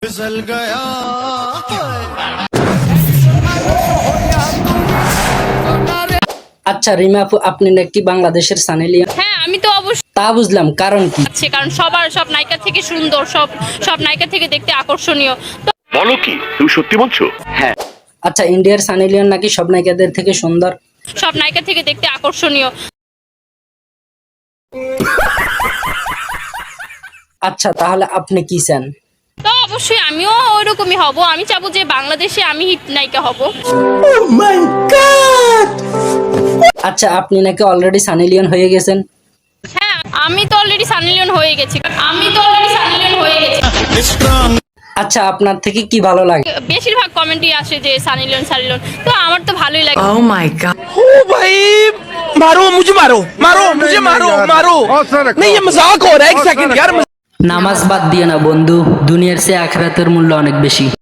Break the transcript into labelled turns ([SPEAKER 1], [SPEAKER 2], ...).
[SPEAKER 1] फिसल गया
[SPEAKER 2] আচ্ছা রিমা আপু, আপনি নাকি বাংলাদেশের সানি লিওন?
[SPEAKER 3] হ্যাঁ, আমি তো অবশ্যই
[SPEAKER 2] তা বুঝলাম, কারণ কি?
[SPEAKER 3] আছে, কারণ সব নায়িকা থেকে সুন্দর, সব নায়িকা থেকে দেখতে আকর্ষণীয়। তো
[SPEAKER 4] বলো কি, তুমি সত্যি বলছো? হ্যাঁ।
[SPEAKER 2] আচ্ছা, ইন্ডিয়ার সানি লিওন নাকি সব নায়িকাদের থেকে সুন্দর?
[SPEAKER 3] সব নায়িকা থেকে দেখতে আকর্ষণীয়।
[SPEAKER 2] আচ্ছা, তাহলে আপনি কি চান?
[SPEAKER 3] তো অবশ্যই আমিও ওইরকমই হব। আমি চাবো যে বাংলাদেশে আমি হিট নায়িকা হব।
[SPEAKER 2] আচ্ছা, আপনি নাকি অলরেডি সানি লিওন হয়ে গেছেন?
[SPEAKER 3] হ্যাঁ, আমি তো অলরেডি সানি লিওন হয়ে গেছি।
[SPEAKER 2] আচ্ছা, আপনার থেকে কি ভালো লাগে?
[SPEAKER 3] বেশিরভাগ কমেন্টই আসে যে সানি লিওন। তো আমার তো ভালোই লাগে।
[SPEAKER 5] Oh my god.
[SPEAKER 6] ओ भाई मारो मुझे मारो मारो मुझे मारो मारो नहीं ये मजाक हो रहा है एक सेकंड यार
[SPEAKER 2] নামাজ বাদ দিয়ে না বন্ধু, দুনিয়ার চেয়ে আখিরাতের মূল্য অনেক বেশি।